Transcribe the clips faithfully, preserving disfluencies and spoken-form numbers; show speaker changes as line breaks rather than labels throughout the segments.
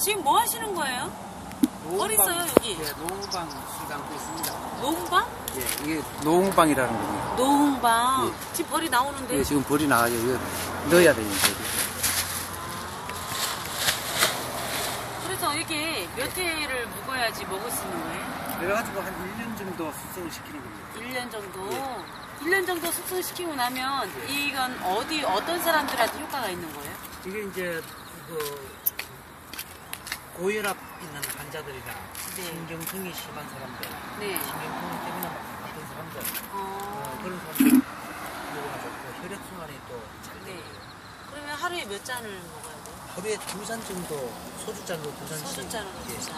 지금 뭐 하시는 거예요? 어디 있어요, 여기?
예, 노홍방 술 담고 있습니다.
노홍방?
예, 이게 노홍방이라는 겁니다.
노홍방.
예.
지금 벌이 나오는데.
예, 지금 벌이 나와요. 이거 넣어야 돼요, 이제.
그래서 이게 몇 회를 묵어야지 먹을 수 있는 거예요?
그래가지고 한 일 년 정도 숙성을 시키는 겁니다.
일 년 정도?
예.
일 년 정도 숙성시키고 나면
예.
이건 어디, 어떤 사람들한테 효과가 있는 거예요?
이게 이제 그 고혈압 있는 환자들이나
네.
신경통이 심한 사람들,
네.
신경통 때문에 막 아픈 사람들,
어,
어, 그런 사람들 먹으면 좋고 혈액순환이 또 잘
네.
되고요.
그러면 하루에 몇 잔을 먹어야 돼요?
하루에 두 잔 정도, 소주 잔으로 두 잔씩.
소주 잔으로
예.
두 잔.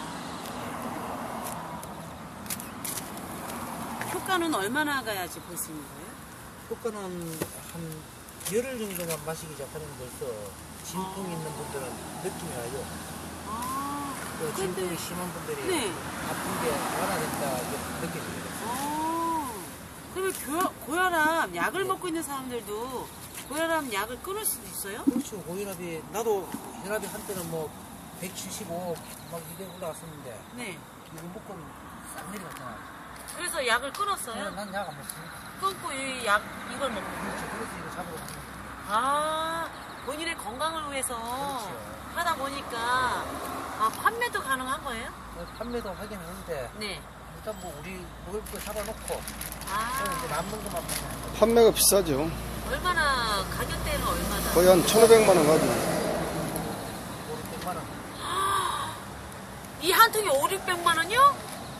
효과는 얼마나 가야지 볼 수 있는 거예요?
효과는 한 열흘 정도만 마시기 시작하면 벌써 진통이 있는 분들은 느낌이 와요.
아,
또
근데-
진통이 심한 분들이
네.
아픈 게 완화된다 이렇게 느껴집니다.
아, 그러면 교, 고혈압 약을 먹고 있는 사람들도 고혈압 약을 끊을 수도 있어요?
그렇죠. 고혈압이 나도 혈압이 한때는 뭐 백칠십오 막 이래 올라갔었는데
네.
이거 먹고 싹 내려갔잖아.
그래서 약을 끊었어요?
난 약 안 먹습니다.
끊고 이 약, 이걸 먹고.
그렇죠. 그래서 이거 잡으러 가는 거예요.
아, 본인의 건강을 위해서
그렇죠.
하다 보니까, 아, 판매도 가능한 거예요?
판매도 하긴 하는데
네.
일단 뭐 우리 먹을 거 잡아놓고 그럼 이제
아,
남는 것만 먹는 거예요.
판매가 비싸죠.
얼마나, 가격대는 얼마나?
거의 한 천오백만 원 가죠.
오백만 원.
이 한 통에 오륙백만 원이요?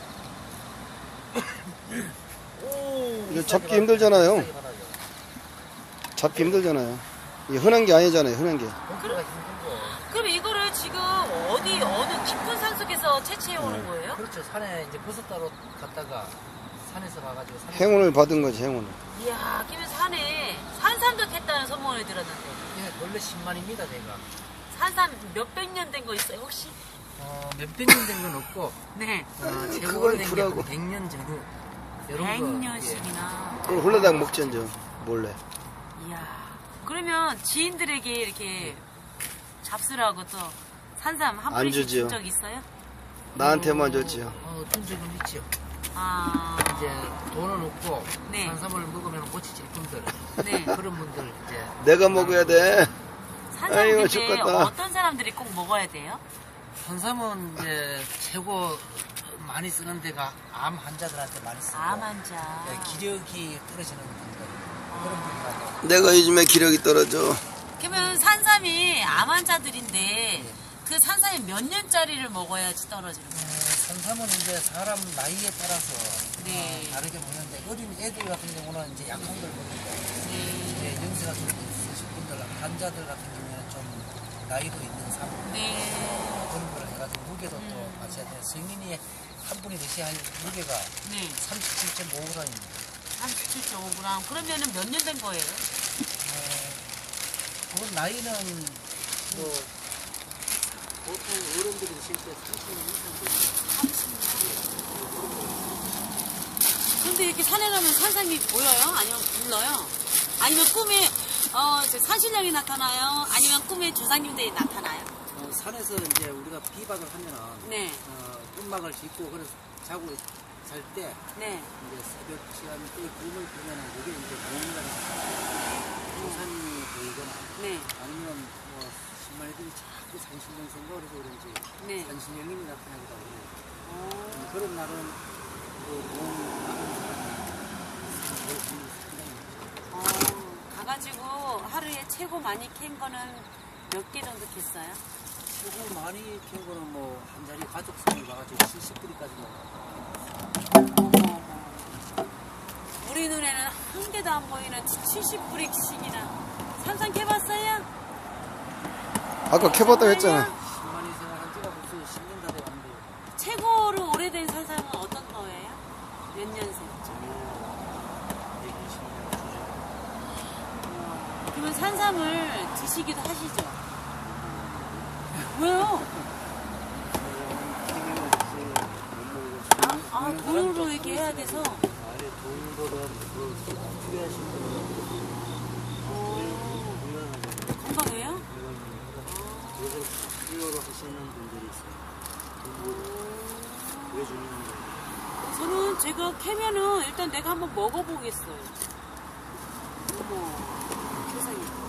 오.
이거 잡기 힘들잖아요.
비싸게 받아요.
잡기 힘들잖아요. 이게 흔한 게 아니잖아요, 흔한 게.
먹기가 힘들고.
그럼 이거를 지금 어디, 어느 깊은 산 속에서 채취해 오는 거예요?
그렇죠. 산에 이제 버섯 따러 갔다가 산에서 가가지고 산에
행운을 받은 거지, 행운을.
이야, 김에 산에 산삼도 캤다는 소문을 들었는데.
예, 원래 십만입니다, 제가.
산삼 몇백 년 된 거 있어요, 혹시?
어, 몇백 년 된 건 없고,
네.
어, 최고
그건
오래된 게
쿨하고.
백 년 전후. 이런 거.
백 년씩이나.
그걸 홀라당 먹지, 이제. 몰래.
이야. 그러면 지인들에게 이렇게 잡수라고 또 산삼 한
안
뿌리씩
주지요.
준 적 있어요?
나한테만
오.
줬지요.
어, 준 적은 있죠.
아.
이제 돈은 없고,
네.
산삼을 먹으면 못 지칠 분들.
네.
그런 분들 이제.
내가 먹어야 돼.
산삼
아이고,
근데
죽겠다.
어떤 사람들이 꼭 먹어야 돼요?
산삼은 이제 최고 많이 쓰는 데가 암 환자들한테 많이 쓰고.
암 환자.
네, 기력이 떨어지는 분들. 그런 분들한테.
내가 요즘에 기력이 떨어져.
그러면 산삼이 암 환자들인데 그 산삼이 몇 년짜리를 먹어야지 떨어지는 거예요?
어, 산삼은 이제 사람 나이에 따라서
네.
어, 다르게 먹는데 어린 애들 같은 경우는 이제 약한 걸 먹는데
네.
이제 연세가 좀 있으신 분들 환자들 같은 경우에는 좀 나이도 있는 삶
네.
그런 걸 해가지고 무게도
음.
또 맞춰야 돼. 성인이 한 분이 드셔야 할 무게가
네.
삼십칠 점 오 그램입니다.
삼십칠 점 오 그램. 그러면은 몇 년 된 거예요?
어, 그건 나이는 뭐 보통 어른들이 드실 때 삼십 년 이상 되죠.
근데 이렇게 산에 가면 산삼이 보여요? 아니면 불러요? 아니면 꿈에 어, 저 산신령이 나타나요? 아니면 꿈에 조상님들이 나타나요?
어, 산에서 이제 우리가 비박을 하면은
네.
어, 음막을 짓고 그래서 자고 잘 때
네.
이제 새벽 시간 때 꿈을 꾸면은 그게 이제 보험이라는 조산이 보이거나
네.
아니면 뭐 신말들이 자꾸 산신령 생각을 해서 그런지
네.
산신령이 나타나기도 하고
어,
음, 그런 날은 그 몸 아픈 사람이 뭘 상당히
어, 가가지고 하루에 최고 많이 캔 거는 몇 개 정도 캤어요?
최고 많이 키운 거는 뭐 한 자리 가족성을 봐가지고 칠십 뿌리까지 먹어.
우리 눈에는 한 개도 안 보이는 칠십 뿌리씩이나 산삼 캐봤어요?
아까 캐봤다고 했잖아.
십만이 생활한 지가 벌써 십 년 다 돼가는데
최고로 오래된 산삼은 어떤 거예요? 몇 년생?
백이십 년 주죠.
그러면 산삼을 드시기도 하시죠? 왜요? 아, 아 돈으로 이렇게 해야 돼서?
아니 돈보다 그 필요하신 분은
어, 건강해요?
이걸 필요로 하시는 분들이 있어요. 왜 주는 거예요?
저는 제가 캐면은 일단 내가 한번 먹어보겠어요. 어머, 세상에.